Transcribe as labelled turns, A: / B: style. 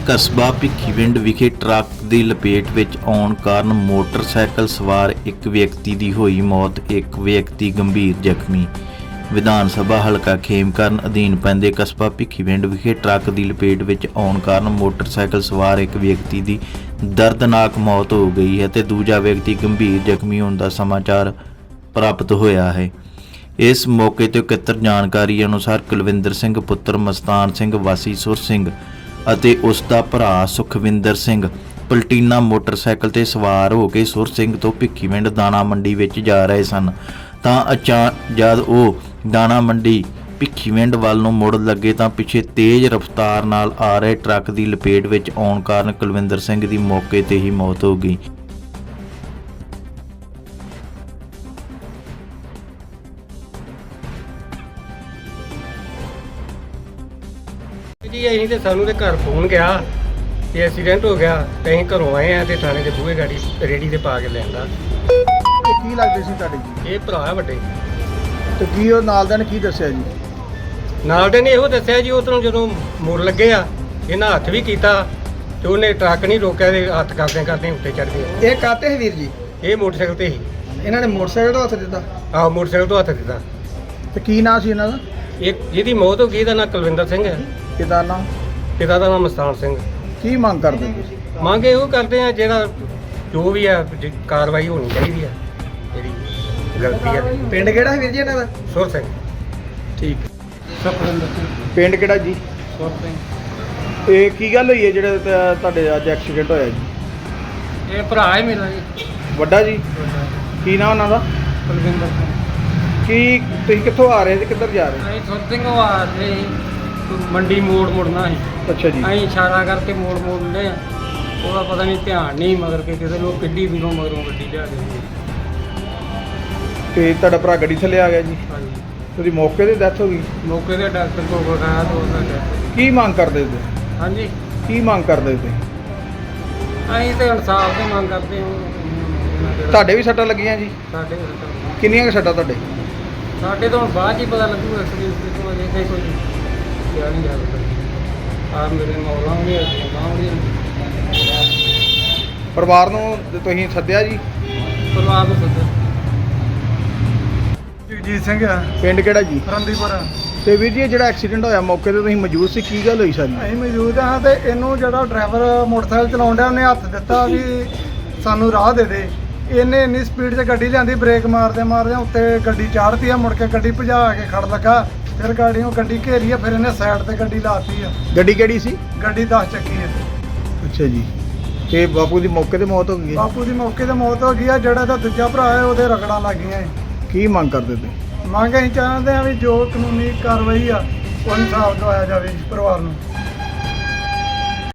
A: ਕਸਬਾ ਭਿੱਖੀਵਿੰਡ ਵਿਖੇ ਟਰੱਕ ਦੀ ਲਪੇਟ ਵਿੱਚ ਆਉਣ ਕਾਰਨ ਮੋਟਰਸਾਈਕਲ ਸਵਾਰ ਇੱਕ ਵਿਅਕਤੀ ਦੀ ਹੋਈ ਮੌਤ, ਇੱਕ ਵਿਅਕਤੀ ਗੰਭੀਰ ਜ਼ਖਮੀ। ਵਿਧਾਨ ਸਭਾ ਹਲਕਾ ਖੇਮਕਰਨ ਅਧੀਨ ਪੈਂਦੇ ਕਸਬਾ ਭਿੱਖੀਵਿੰਡ ਵਿਖੇ ਟਰੱਕ ਦੀ ਲਪੇਟ ਵਿੱਚ ਆਉਣ ਕਾਰਨ ਮੋਟਰਸਾਈਕਲ ਸਵਾਰ ਇੱਕ ਵਿਅਕਤੀ ਦੀ ਦਰਦਨਾਕ ਮੌਤ ਹੋ ਗਈ ਹੈ ਤੇ ਦੂਜਾ ਵਿਅਕਤੀ ਗੰਭੀਰ ਜ਼ਖਮੀ ਹੋਣ ਦਾ ਸਮਾਚਾਰ ਪ੍ਰਾਪਤ ਹੋਇਆ ਹੈ। ਇਸ ਮੌਕੇ ਤੇ ਇਕੱਤਰ ਜਾਣਕਾਰੀ ਅਨੁਸਾਰ ਕੁਲਵਿੰਦਰ ਸਿੰਘ ਪੁੱਤਰ ਮਸਤਾਨ ਸਿੰਘ ਵਾਸੀ ਸੁਰ ਸਿੰਘ ਅਤੇ ਉਸ ਦਾ ਭਰਾ ਸੁਖਵਿੰਦਰ ਸਿੰਘ ਪਲਟੀਨਾ ਮੋਟਰਸਾਈਕਲ ਤੇ ਸਵਾਰ ਹੋ ਕੇ ਸੁਰ ਸਿੰਘ ਤੋਂ ਭਿੱਖੀਵਿੰਡ ਦਾਣਾ ਮੰਡੀ ਵਿੱਚ ਜਾ ਰਹੇ ਸਨ ਤਾਂ ਜਦ ਉਹ ਦਾਣਾ ਮੰਡੀ ਭਿੱਖੀਵਿੰਡ ਵੱਲ ਨੂੰ ਮੁੜ ਲੱਗੇ ਤਾਂ ਪਿੱਛੇ ਤੇਜ਼ ਰਫ਼ਤਾਰ ਨਾਲ ਆ ਰਹੇ ਟਰੱਕ ਦੀ ਲਪੇਟ ਵਿੱਚ ਆਉਣ ਕਾਰਨ ਕੁਲਵਿੰਦਰ ਸਿੰਘ ਦੀ ਮੌਕੇ ਤੇ ਹੀ ਮੌਤ ਹੋ ਗਈ।
B: जी अं तो सानू तो घर फोन गया कि एक्सीडेंट हो गया तो अं घरों आए हैं तो थाने के बूहे गाड़ी रेडी से पा के लिया।
C: ਕੀ ਲੱਗਦੇ ਸੀ ਤੁਹਾਡੇ ਜੀ?
B: ये भरा ਵੱਡੇ
C: ਤੇ ਕੀ ਉਹ ਨਾਲ ਦੇ ਨੇ ਕੀ ਦੱਸਿਆ ਜੀ?
B: ਨਾਲ ਦੇ ਨੇ ਇਹੋ ਦੱਸਿਆ ਜੀ ਉਧਰੋਂ ਜਦੋਂ ਮੁੜ ਲੱਗੇ ਆ ਇਹਨਾਂ ਹੱਥ ਵੀ ਕੀਤਾ ਤੇ ਉਹਨੇ ਟਰੱਕ ਨਹੀਂ ਰੋਕਿਆ ਤੇ ਹੱਥ ਕਰਦੇ ਕਰਦੇ ਉੱਤੇ ਚੜ ਗਏ।
C: ਇਹ ਕਾਤੇ ਹੈ ਵੀਰ ਜੀ?
B: ਇਹ ਮੋਟਰਸਾਈਕਲ ਤੇ ਸੀ।
C: ਇਹਨਾਂ ਨੇ ਮੋਟਰਸਾਈਕਲ ਤੋਂ ਹੱਥ ਦਿੱਤਾ
B: ਆਹ ਮੋਟਰਸਾਈਕਲ ਤੋਂ ਹੱਥ ਦਿੱਤਾ।
C: ਤੇ ਕੀ ਨਾਂ ਸੀ ਇਹਨਾਂ ਦਾ?
B: ਇੱਕ ਜਿਹਦੀ ਮੌਤ ਹੋ ਗਈ ਇਹਦਾ ਨਾਂ ਕੁਲਵਿੰਦਰ ਸਿੰਘ ਹੈ,
C: ਕਿਹਦਾ ਨਾਂ?
B: ਪਿਤਾ ਦਾ ਨਾਮ ਮਸਤਾਨ ਸਿੰਘ।
C: ਕੀ ਮੰਗ ਕਰਦੇ ਤੁਸੀਂ?
B: ਮੰਗ ਇਹੋ ਕਰਦੇ ਆ ਜਿਹੜਾ ਜੋ ਵੀ ਆ ਕਾਰਵਾਈ ਹੋਣੀ ਚਾਹੀਦੀ ਆ ਜਿਹੜੀ ਗਲਤੀ ਆ।
C: ਪਿੰਡ ਕਿਹੜਾ ਹੈ ਵੀਰ ਜੀ ਇਹਨਾਂ ਦਾ?
B: ਸੁਰ ਸਿੰਘ।
C: ਠੀਕ।
B: ਸੁਖਵਿੰਦਰ ਸਿੰਘ।
C: ਪਿੰਡ ਕਿਹੜਾ ਜੀ?
B: ਸੁਰ ਸਿੰਘ।
C: ਇਹ ਕੀ ਗੱਲ ਹੋਈ ਹੈ ਜਿਹੜਾ ਤੁਹਾਡੇ ਅੱਜ ਐਕਸੀਡੈਂਟ ਹੋਇਆ ਜੀ?
B: ਇਹ ਭਰਾ ਹੈ ਮੇਰਾ ਜੀ
C: ਵੱਡਾ ਜੀ? ਕੀ ਨਾਂ ਉਹਨਾਂ ਦਾ?
B: ਕੁਲਵਿੰਦਰ ਸਿੰਘ।
C: ਕੀ ਤੁਸੀਂ ਕਿੱਥੋਂ ਆ ਰਹੇ ਸੀ, ਕਿੱਧਰ ਜਾ ਰਹੇ?
B: ਅਸੀਂ ਸੁਰ ਸਿੰਘ ਆ ਰਹੇ ਮੰਡੀ ਮੋੜ ਮੁੜਨਾ ਸੀ।
C: ਅੱਛਾ ਜੀ।
B: ਅਸੀਂ ਇਸ਼ਾਰਾ ਕਰਕੇ ਮੋੜ ਮੋੜਨੇ ਆ, ਉਹਦਾ ਪਤਾ ਨਹੀਂ ਧਿਆਨ ਨਹੀਂ ਮਗਰ ਕੇ ਕਿਸੇ ਨੂੰ ਕਿੱਡੀ ਵੀਰੋਂ ਮਗਰੋਂ ਗੱਡੀ ਲਿਆ ਦਿੱਤੀ।
C: ਤੇ ਤੁਹਾਡਾ ਭਰਾ ਗੱਡੀ ਥੱਲੇ ਆ ਗਿਆ ਜੀ?
B: ਹਾਂਜੀ।
C: ਉਹਦੀ ਮੌਕੇ ਤੇ ਡੈਥ ਹੋ ਗਈ?
B: ਮੌਕੇ ਤੇ ਡਾਕਟਰ ਕੋਲ ਬੁਲਾਇਆ ਤਾਂ ਉਹਦਾ death।
C: ਕੀ ਮੰਗ ਕਰਦੇ ਤੁਸੀਂ?
B: ਹਾਂਜੀ।
C: ਕੀ ਮੰਗ ਕਰਦੇ ਤੁਸੀਂ?
B: ਅਸੀਂ ਤੇ ਇਨਸਾਫ ਦੀ ਮੰਗ ਕਰਦੇ ਹਾਂ।
C: ਤੁਹਾਡੇ ਵੀ ਸੱਟਾਂ ਲੱਗੀਆਂ ਜੀ?
B: ਸਾਡੇ
C: ਕਿੰਨੀਆਂ ਕੁ ਸੱਟਾਂ ਤੁਹਾਡੇ?
B: ਸਾਡੇ ਤੋਂ ਹੁਣ ਬਾਅਦ 'ਚ ਹੀ ਪਤਾ ਲੱਗੂਗਾ ਐਕਸੀਡੈਂਟ ਤੋਂ ਅਜੇ ਕੋਈ ਕਿਹਾ ਨਹੀਂ ਜਾ ਸਕਦਾ। ਆ ਮੇਰੇ ਮੌਲਾਂ ਵੀ ਬਾਹਰ
C: ਪਰਿਵਾਰ ਨੂੰ ਤੁਸੀਂ ਸੱਦਿਆ ਜੀ?
B: ਪਰਿਵਾਰ ਨੂੰ ਸੱਦਿਆ।
C: ਜਗਜੀਤ ਸਿੰਘ ਆ। ਪਿੰਡ ਕਿਹੜਾ ਜੀ?
D: ਰੰਦੀਪੁਰ।
C: ਤੇ ਵੀਰ ਜੀ ਇਹ ਜਿਹੜਾ ਐਕਸੀਡੈਂਟ ਹੋਇਆ ਮੌਕੇ ਤੇ ਤੁਸੀਂ ਮੌਜੂਦ ਸੀ, ਕੀ ਗੱਲ ਹੋਈ ਸਾਰੀ?
D: ਅਸੀਂ ਮੌਜੂਦ ਹਾਂ ਤੇ ਇਹਨੂੰ ਜਿਹੜਾ ਡਰਾਈਵਰ ਮੋਟਰਸਾਈਕਲ ਚਲਾਉਣ ਡਿਆ ਉਹਨੇ ਹੱਥ ਦਿੱਤਾ ਵੀ ਸਾਨੂੰ ਰਾਹ ਦੇ ਦੇ। ਇਹਨੇ ਇੰਨੀ ਸਪੀਡ 'ਚ ਗੱਡੀ ਲਿਆਂਦੀ, ਬ੍ਰੇਕ ਮਾਰਦੇ ਮਾਰਦੇ ਉੱਤੇ ਗੱਡੀ ਚਾੜਤੀ ਆ, ਮੁੜ ਕੇ ਗੱਡੀ ਭਜਾ ਕੇ ਖੜ ਲੱਗਾ। ਫਿਰ ਗਾੜੀਆਂ ਗੱਡੀ ਘੇਰੀ ਆ, ਫਿਰ ਇਹਨੇ ਸਾਈਡ ਤੇ ਗੱਡੀ ਲਾਤੀ ਆ।
C: ਗੱਡੀ ਕਿਹੜੀ ਸੀ?
D: ਗੱਡੀ 10 ਚੱਕੀ ਹੈ।
C: ਅੱਛਾ ਜੀ। ਤੇ ਬਾਪੂ ਦੀ ਮੌਕੇ ਤੇ ਮੌਤ ਹੋ ਗਈ ਹੈ?
D: ਬਾਪੂ ਦੀ ਮੌਕੇ ਤੇ ਮੌਤ ਹੋ ਗਈ ਆ। ਜਿਹੜਾ ਦਾ ਦੂਜਾ ਭਰਾ ਹੈ ਉਹਦੇ ਰਗੜਾਂ ਲੱਗ ਗਈਆਂ ਹੈ।
C: ਕੀ ਮੰਗ ਕਰਦੇ ਤੁਸੀਂ?
D: ਮੰਗ ਅਸੀਂ ਚਾਹੁੰਦੇ ਹਾਂ ਵੀ ਜੋ ਕਾਨੂੰਨੀ ਕਾਰਵਾਈ ਆ ਉਹ ਇਨਸਾਫ ਦਵਾਇਆ ਜਾਵੇ ਇਸ ਪਰਿਵਾਰ ਨੂੰ।